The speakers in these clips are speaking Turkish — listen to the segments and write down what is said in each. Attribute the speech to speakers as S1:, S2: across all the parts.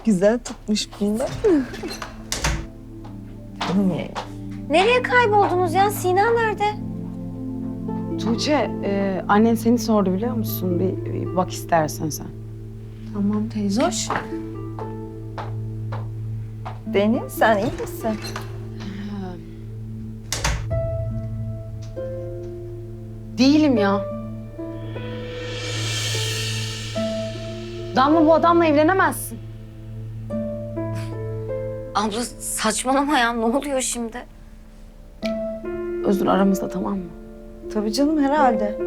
S1: Güzel tutmuş bunlar.
S2: Nereye kayboldunuz ya? Sina nerede?
S3: Tuğçe, annen seni sordu biliyor musun? Bir bak istersen sen.
S2: Tamam teyze hoş.
S1: Deniz, sen iyi misin?
S3: Değilim ya. Damla, bu adamla evlenemezsin.
S2: Abla saçmalama ya. Ne oluyor şimdi?
S3: Özür aramızda, tamam mı?
S1: Tabii canım, herhalde.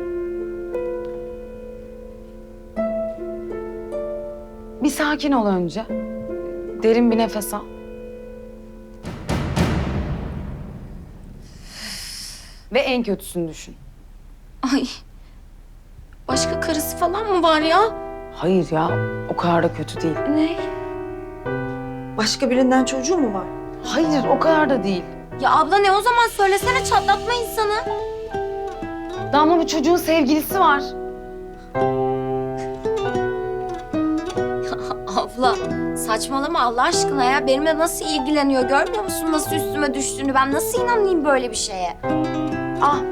S3: Bir sakin ol önce. Derin bir nefes al. Ve en kötüsünü düşün.
S2: Ay. Başka karısı falan mı var ya?
S3: Hayır ya, o kadar da kötü değil.
S2: Ne?
S1: Başka birinden çocuğu mu var?
S3: Hayır, o kadar da değil.
S2: Ya abla ne o zaman söylesene çatlatma insanı.
S3: Damla, bu çocuğun sevgilisi var.
S2: Abla saçmalama Allah aşkına ya. Benimle nasıl ilgileniyor görmüyor musun? Nasıl üstüme düştüğünü. Ben nasıl inanayım böyle bir şeye?
S3: Ah,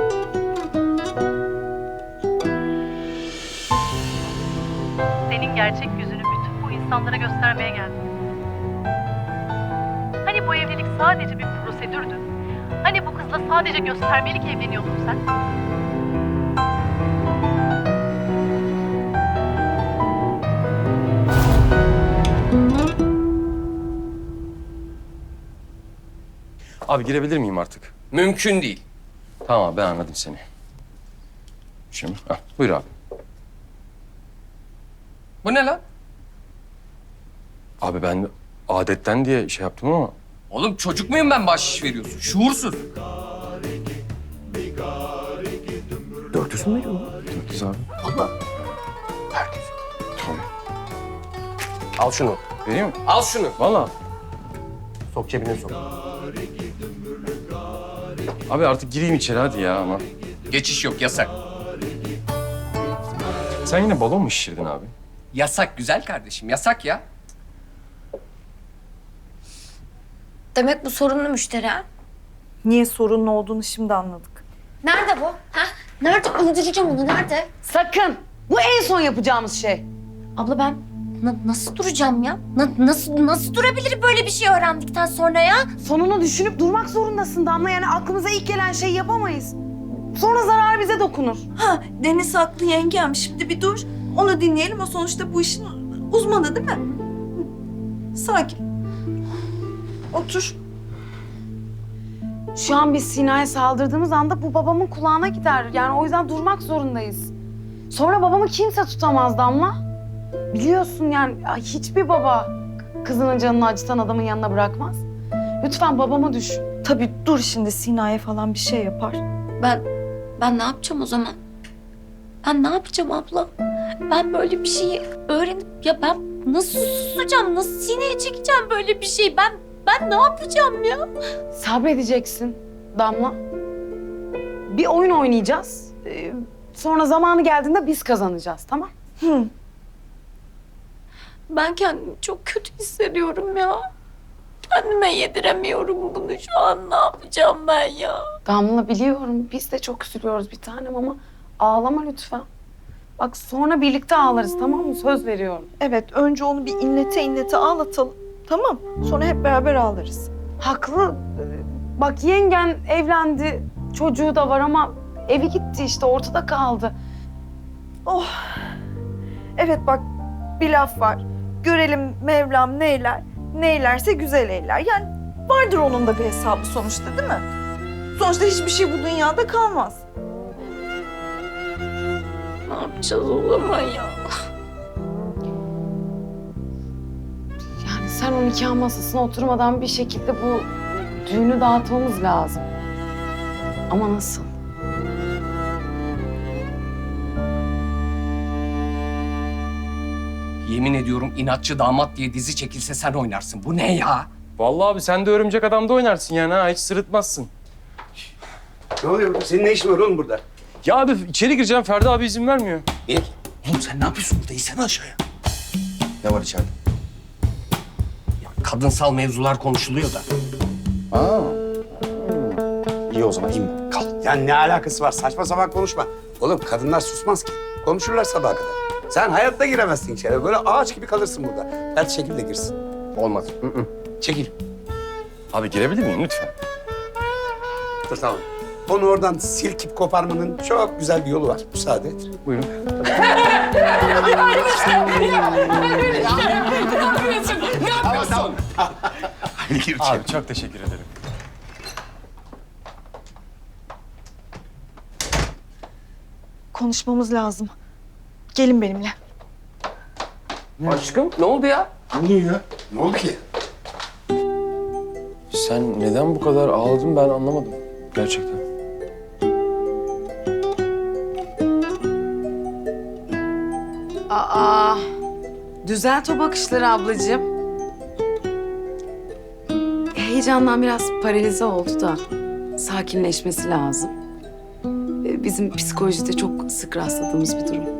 S4: Senin gerçek yüzünü bütün bu insanlara göstermeye geldim. Hani bu evlilik sadece bir prosedürdü? Hani bu kızla sadece göstermelik evleniyordun sen?
S5: Abi girebilir miyim artık?
S6: Mümkün değil.
S5: Tamam abi, ben anladım seni. Şimdi, buyur abi.
S6: Bu ne lan?
S5: Abi ben adetten diye şey yaptım ama...
S6: Oğlum çocuk muyum ben bahşiş veriyorsun? Şuursuz.
S5: 400 mü veriyor? 400 abi.
S6: Allah.
S5: Herkes. Tabii.
S6: Al şunu.
S5: Vereyim mi?
S6: Al şunu.
S5: Vallahi.
S6: Sok cebine sok.
S5: Abi artık gireyim içeri hadi ya ama.
S6: Geçiş yok, yasak.
S5: Sen yine balon mu şişirdin abi?
S6: Yasak güzel kardeşim, yasak ya.
S2: Demek bu sorunlu müşteri ha?
S1: Niye sorunun olduğunu şimdi anladık.
S2: Nerede bu? Ha? Nerede? Öldüreceğim onu. Nerede?
S3: sakın. Bu en son yapacağımız şey.
S2: Abla ben nasıl duracağım ya? Nasıl durabilirim böyle bir şey öğrendikten sonra ya?
S3: Sonunu düşünüp durmak zorundasın Damla. Yani aklımıza ilk gelen şeyi yapamayız. Sonra zarar bize dokunur.
S1: Ha, Deniz haklı yengem. Şimdi bir dur. Onu dinleyelim. O sonuçta bu işin uzmanı değil mi? Sakin. Otur.
S3: Şu an biz Sina'ya saldırdığımız anda bu babamın kulağına gider. Yani o yüzden durmak zorundayız. Sonra babamı kimse tutamaz Damla. Biliyorsun yani hiçbir baba kızının canını acıtan adamın yanına bırakmaz. Lütfen babamı düşün.
S1: Tabii dur, şimdi Sina'ya falan bir şey yapar.
S2: Ben ne yapacağım o zaman? Ben ne yapacağım abla? Ben böyle bir şeyi öğrenip ya ben nasıl susacağım? Nasıl sineye çekeceğim böyle bir şeyi? Ben ne yapacağım ya?
S3: Sabredeceksin Damla. Bir oyun oynayacağız. Sonra zamanı geldiğinde biz kazanacağız, tamam?
S1: Hı.
S2: Ben kendimi çok kötü hissediyorum ya. Kendime yediremiyorum bunu şu an. Ne yapacağım ben ya?
S3: Damla biliyorum biz de çok üzülüyoruz bir tanem ama ağlama lütfen. Bak sonra birlikte ağlarız, tamam mı? Söz veriyorum.
S1: Evet, önce onu bir inlete ağlatalım. Tamam. Sonra hep beraber ağlarız.
S3: Haklı. Bak yengen evlendi, çocuğu da var ama evi gitti işte ortada kaldı.
S1: Oh. Evet bak, bir laf var. Görelim Mevlam neyler. Neylerse güzel eyler. Yani vardır onun da bir hesabı sonuçta değil mi? Sonuçta hiçbir şey bu dünyada kalmaz.
S2: Ne yapacağız o zaman ya?
S3: Yani sen o nikah masasına oturmadan bir şekilde bu düğünü dağıtmamız lazım. Ama nasıl?
S6: Yemin ediyorum inatçı damat diye dizi çekilse sen oynarsın. Bu ne ya?
S5: Vallahi abi sen de örümcek adamda oynarsın yani ha, hiç sırıtmazsın.
S7: Ne oluyor burada? Senin ne işin var oğlum burada?
S5: Ya abi içeri gireceğim, Ferdi abi izin vermiyor.
S7: Niye? Oğlum sen ne yapıyorsun burada? İnsene aşağıya. Ne var içeride?
S6: kadınsal mevzular konuşuluyor da.
S5: Aa. İyi o zaman. İyi.
S7: Kal. Yani ne alakası var? Saçma sapan konuşma. Oğlum kadınlar susmaz ki. Konuşurlar sabaha kadar. Sen hayatta giremezsin içeri. Böyle ağaç gibi kalırsın burada. Her şekilde girsin.
S5: Olmaz. Hı hı.
S7: Çekil.
S5: Abi girebilir miyim lütfen?
S7: Dur tamam. Onu oradan silkip koparmanın çok güzel bir yolu var. Müsaade et.
S5: Buyurun.
S7: Tamam. Hadi gir içeri.
S5: Abi çok teşekkür ederim.
S1: Konuşmamız lazım. Gelin benimle.
S6: Aşkım ne oldu ya?
S7: Ne oldu ki?
S5: Sen neden bu kadar ağladın ben anlamadım. Gerçekten.
S3: Aa, düzelt o bakışları ablacığım. Heyecandan biraz paralize oldu da sakinleşmesi lazım. Bizim psikolojide çok sık rastladığımız bir durum.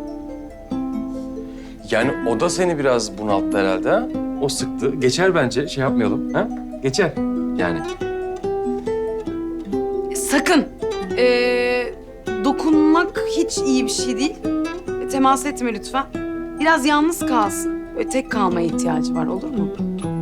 S5: Yani o da seni biraz bunalttı herhalde ha? O sıktı. Geçer bence. Şey yapmayalım. Ha? Geçer. Yani.
S3: Sakın. Dokunmak hiç iyi bir şey değil. Temas etme lütfen. Biraz yalnız kalsın. Böyle tek kalmaya ihtiyacı var, olur mu?